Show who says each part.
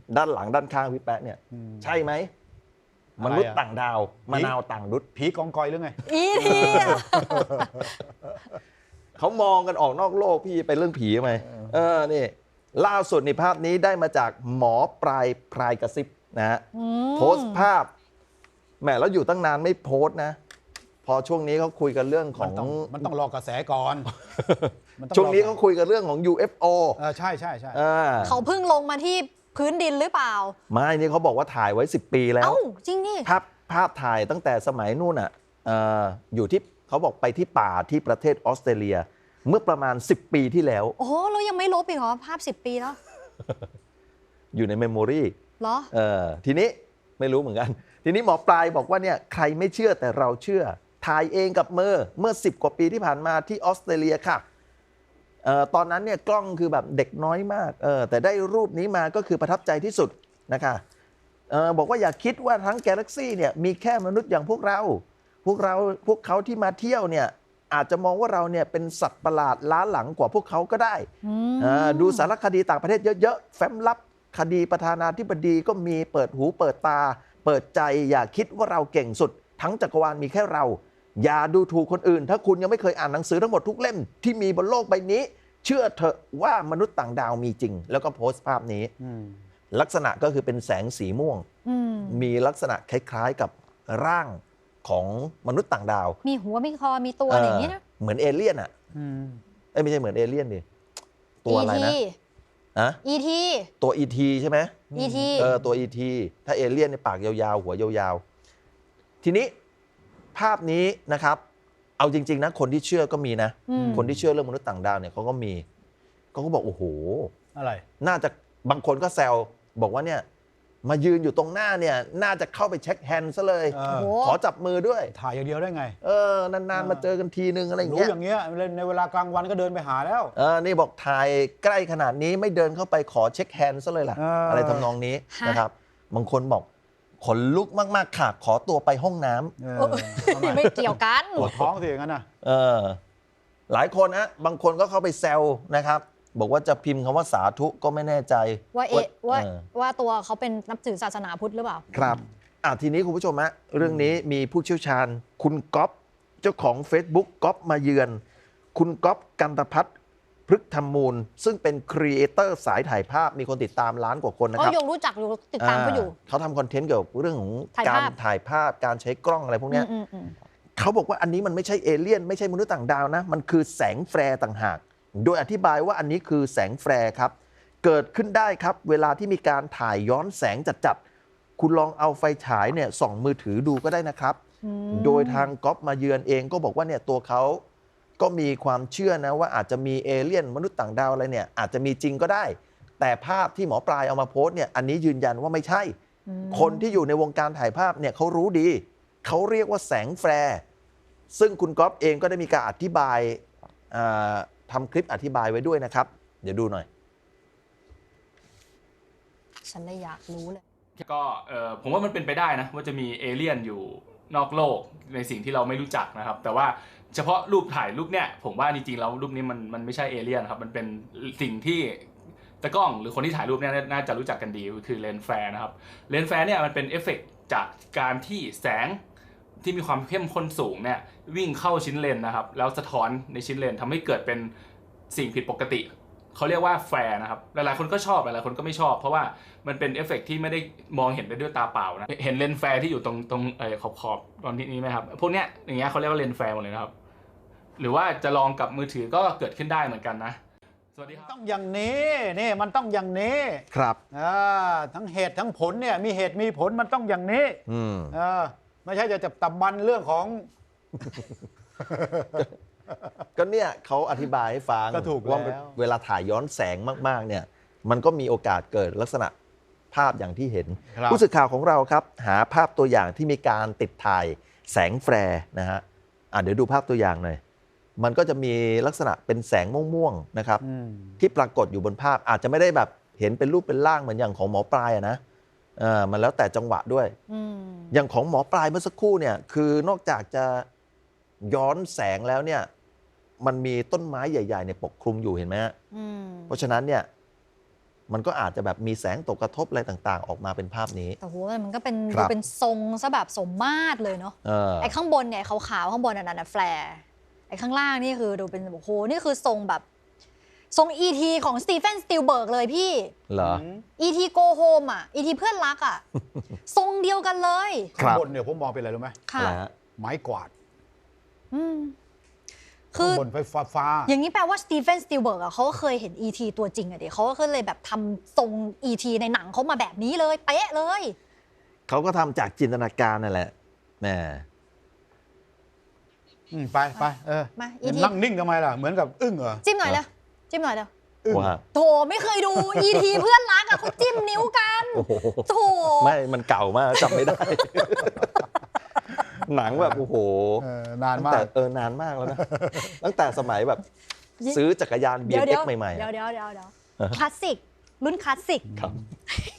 Speaker 1: ด้านหลังด้านข้างพี่แป๊ะเนี่ยใช่ไหมมนุษย์ต่างดาวมะนาวต่างดุษ
Speaker 2: ผีกองกอยหรือไง
Speaker 3: อีที
Speaker 1: เขามองกันออกนอกโลกพี่ไปเรื่องผีไหมนี่ล่าสุดในภาพนี้ได้มาจากหมอปลายพรายกระซิบนะฮะโพสต์ภาพแหมแล้วอยู่ตั้งนานไม่โพสต์นะพอช่วงนี้เขาคุยกันเรื่องของ
Speaker 2: มันต้องรอกระแสก่อน
Speaker 1: ช่วงนี้เขาคุยกันเรื่องของ UFO
Speaker 2: ใช่ใช่ใช่
Speaker 3: เขาเพิ่งลงมาที่พื้นดินหรือเปล่า
Speaker 1: ไม่นี่เขาบอกว่าถ่ายไว้10 ปีแล้ว
Speaker 3: จริงนี่
Speaker 1: ภาพถ่ายตั้งแต่สมัยนู่นอ่ะอยู่ที่เขาบอกไปที่ป่าที่ประเทศออสเตรเลียเมื่อประมาณ10 ปีที่แล้ว
Speaker 3: โอ้โหเรายังไม่ลบอีกเหรอภาพ10 ปีแล้ว
Speaker 1: อยู่ในเมมโมรี
Speaker 3: เหรอ
Speaker 1: ทีนี้ไม่รู้เหมือนกันทีนี้หมอปลายบอกว่าเนี่ยใครไม่เชื่อแต่เราเชื่อถ่ายเองกับมือเมื่อ10 กว่าปีที่ผ่านมาที่ออสเตรเลียค่ะตอนนั้นเนี่ยกล้องคือแบบเด็กน้อยมากแต่ได้รูปนี้มาก็คือประทับใจที่สุดนะคะบอกว่าอย่าคิดว่าทั้งกาแล็กซี่เนี่ยมีแค่มนุษย์อย่างพวกเขาที่มาเที่ยวเนี่ยอาจจะมองว่าเราเนี่ยเป็นสัตว์ประหลาดล้าหลังกว่าพวกเขาก็ได้ดูสารคดีต่างประเทศเยอะๆแฟ้มลับคดีประธานาธิบดีก็มีเปิดหูเปิดตาเปิดใจอย่าคิดว่าเราเก่งสุดทั้งจักรวาลมีแค่เราอย่าดูถูกคนอื่นถ้าคุณยังไม่เคยอ่านหนังสือทั้งหมดทุกเล่มที่มีบนโลกใบนี้เชื่อเถอะว่ามนุษย์ต่างดาวมีจริงแล้วก็โพสต์ภาพนี้ลักษณะก็คือเป็นแสงสีม่วงมีลักษณะคล้ายๆกับร่างของมนุษย์ต่างดาว
Speaker 3: มีหัวมีคอมีตัวอะไรอย่างนี้นะ
Speaker 1: เหมือนเอเลี่ยนอ่ะไม่ใช่เหมือนเอเลี่ยนดิตัวอะไรนะ
Speaker 3: ET
Speaker 1: ตัว ET ใช่ไหม
Speaker 3: ET
Speaker 1: ตัว ET ถ้าเอเลี่ยนในปากยาวๆหัวยาวๆทีนี้ภาพนี้นะครับเอาจริงๆนะคนที่เชื่อก็มีนะคนที่เชื่อเรื่องมนุษย์ต่างดาวเนี่ยเขาก็มีเขาก็บอกโอ้โห
Speaker 2: อะไร
Speaker 1: น่าจะบางคนก็แซวบอกว่าเนี่ยมายืนอยู่ตรงหน้าเนี่ยน่าจะเข้าไปเช็คแฮนด์ซะเลยขอจับมือด้วย
Speaker 2: ถ่ายอย่างเดียวได้ไง
Speaker 1: นานๆมาเจอกันทีนึงอะไรอย่าง
Speaker 2: เงี้ยรู้อย่างเงี้ยในเวลากลางวันก็เดินไปหาแล้ว
Speaker 1: นี่บอกถ่ายใกล้ขนาดนี้ไม่เดินเข้าไปขอเช็คแฮนด์ซะเลยล่ะอะไรทำนองนี้นะครับบางคนบอกขนลุกมากๆค่ะขอตัวไปห้องน้
Speaker 3: ำไม่เกี่ยวกัน
Speaker 2: ปวดท้องสิอย่างนั้นนะ
Speaker 1: หลายคนนะบางคนก็เข้าไปแซวนะครับบอกว่าจะพิมพ์คำว่าสาธุก็ไม่แน่ใจ
Speaker 3: ว่าตัวเขาเป็นนับถือศาสนาพุทธหรือเปล่า
Speaker 1: ครับทีนี้คุณผู้ชมฮะเรื่องนี้มีผู้เชี่ยวชาญคุณก๊อฟเจ้าของ Facebook ก๊อฟมาเยือนคุณก๊อฟกันตพัฒน์พฤกษ์ธรรมมูลซึ่งเป็นครีเอเตอร์สายถ่ายภาพมีคนติดตามล้านกว่าคนนะครับ
Speaker 3: ยงรู้จักอยู่ติดตามเขาอยู่
Speaker 1: เขาทำคอนเทนต์เกี่ยวกับเรื่องของการถ่ายภาพการใช้กล้องอะไรพวกนี้เขาบอกว่าอันนี้มันไม่ใช่เอเลี่ยนไม่ใช่มนุษย์ต่างดาวนะมันคือแสงแฟร์ต่างหากโดยอธิบายว่าอันนี้คือแสงแฟร์ครับเกิดขึ้นได้ครับเวลาที่มีการถ่ายย้อนแสงจัดๆคุณลองเอาไฟฉายเนี่ยส่องมือถือดูก็ได้นะครับโดยทางก๊อฟมาเยือนเองก็บอกว่าเนี่ยตัวเขาก็มีความเชื่อนะว่าอาจจะมีเอเลี่ยนมนุษย์ต่างดาวอะไรเนี่ยอาจจะมีจริงก็ได้แต่ภาพที่หมอปลายเอามาโพสต์เนี่ยอันนี้ยืนยันว่าไม่ใช่คนที่อยู่ในวงการถ่ายภาพเนี่ยเขารู้ดีเขาเรียกว่าแสงแฟร์ซึ่งคุณก๊อฟเองก็ได้มีการอธิบายทำคลิปอธิบายไว้ด้วยนะครับเดี๋ยวดูหน่อย
Speaker 3: ฉันเลยอยากรู้เลย
Speaker 4: ก็ผมว่ามันเป็นไปได้นะว่าจะมีเอเลี่ยนอยู่นอกโลกในสิ่งที่เราไม่รู้จักนะครับแต่ว่าเฉพาะรูปถ่ายรูปเนี่ยผมว่าจริงๆแล้วรูปนี้มันไม่ใช่เอเลี่ยนครับมันเป็นสิ่งที่ตากล้องหรือคนที่ถ่ายรูปเนี่ยน่าจะรู้จักกันดีคือเลนส์แฟร์นะครับเลนส์แฟร์เนี่ยมันเป็นเอฟเฟกต์จากการที่แสงที่มีความเข้มข้นสูงเนี่ยวิ่งเข้าชิ้นเลนนะครับแล้วสะท้อนในชิ้นเลนทำให้เกิดเป็นสิ่งผิดปกติเขาเรียกว่าแฟร์นะครับหลายๆคนก็ชอบหลายๆคนก็ไม่ชอบเพราะว่ามันเป็นเอฟเฟกต์ที่ไม่ได้มองเห็นได้ด้วยตาเปล่านะเห็นเลนส์แฟร์ที่อยู่ตรงขอบตอนนี้ไหมครับพวกเนี้ยอย่างเงี้ยเขาเรียกว่าเลนส์แฟร์หมดเลยนะครับหรือว่าจะลองกับมือถือก็เกิดขึ้นได้เหมือนกันนะสวัสดีครับ
Speaker 2: ต้องอย่างนี้นี่มันต้องอย่างนี้
Speaker 1: ครับ
Speaker 2: ทั้งเหตุทั้งผลเนี่ยมีเหตุมีผลมันต้องอย่างนี้ไม่ใช่จะจับตำมันเรื่องของ
Speaker 1: ก็เนี่ยเขาอธิบายให้ฟังว่าเวลาถ่ายย้อนแสงมากๆเนี่ยมันก็มีโอกาสเกิดลักษณะภาพอย่างที่เห็นผู้สื่อข่าวของเราครับหาภาพตัวอย่างที่มีการติดถ่ายแสงแฟร์นะฮะเดี๋ยวดูภาพตัวอย่างหน่อยมันก็จะมีลักษณะเป็นแสงม่วงๆนะครับที่ปรากฏอยู่บนภาพอาจจะไม่ได้แบบเห็นเป็นรูปเป็นร่างเหมือนอย่างของหมอปลายนะมันแล้วแต่จังหวะด้วยอย่างของหมอปลายเมื่อสักครู่เนี่ยคือนอกจากจะย้อนแสงแล้วเนี่ยมันมีต้นไม้ใหญ่ๆเนี่ยปกคลุมอยู่เห็นไหมฮะเพราะฉะนั้นเนี่ยมันก็อาจจะแบบมีแสงตกกระทบอะไรต่างๆ ออกมาเป็นภาพนี้
Speaker 3: แต่โหมันก็เป็น
Speaker 1: ครั
Speaker 3: ดู
Speaker 1: บ
Speaker 3: เป็นทรงซะแบบสมมาตรเลยเนาะ ไอ้ข้างบนเนี่ยขาวๆข้างบนนั่นน่ะแฟร์ไอ้ข้างล่างนี่คือดูเป็นโอ้โหนี่คือทรงแบบทรง E.T. ของสตีเฟนสตีลเบิร์กเลยพี่
Speaker 1: เหรอ
Speaker 3: E.T. Go Home อ่ะ E.T. เพื่อนรักอ่ะ ทรงเดียวกันเลย
Speaker 1: ครั
Speaker 2: ข้าง
Speaker 1: บ
Speaker 2: บนเนี่ยผมมองเป็นอะไรรู้ไหม
Speaker 3: ค่ะ
Speaker 1: อะไรฮะ
Speaker 2: ไม้กวาด
Speaker 3: อืมคื
Speaker 2: ข้าง
Speaker 3: อ
Speaker 2: บนไฟฟ้า
Speaker 3: อย่างนี้แปลว่าสตีเฟนสตีลเบิร์กอ่ะเขาก็เคยเห็น E.T. ตัวจริงอ่ะดิเขาก็เลยแบบทำทรง E.T. ในหนังเขามาแบบนี้เลยเป๊ะเลย
Speaker 1: เขาก็ทำจากจินตนาการนั่นแหละแหม
Speaker 2: ไป
Speaker 3: มา
Speaker 2: เห็น
Speaker 3: E.T.
Speaker 2: นั่งนิ่งทำไมล่ะเหมือนกับอึ้งเหรอ
Speaker 3: จิ้มหน่อยเลยจิ้มหน่อยเลย
Speaker 2: อึ้ง
Speaker 1: ว่า
Speaker 3: โถไม่เคยดู E.T. เพื่อนรักอ่ะเขาจิ้มนิ้วกัน
Speaker 1: โอ้โห
Speaker 3: โถ
Speaker 1: ไม่มันเก่ามากจำไม่ได้ หนังแบบโอ้โห
Speaker 2: นาน
Speaker 1: ตั้ง
Speaker 2: มา
Speaker 1: แต่
Speaker 2: ก
Speaker 1: นานมากแล้วนะ ตั้งแต่สมัยแบบซื้อจักรยาน
Speaker 3: เดี๋ยว
Speaker 1: BMX ใหม่ๆ
Speaker 3: เดี๋
Speaker 1: อะ
Speaker 3: ยวคลาสสิกรุ่นคลาสสิก
Speaker 1: ครับ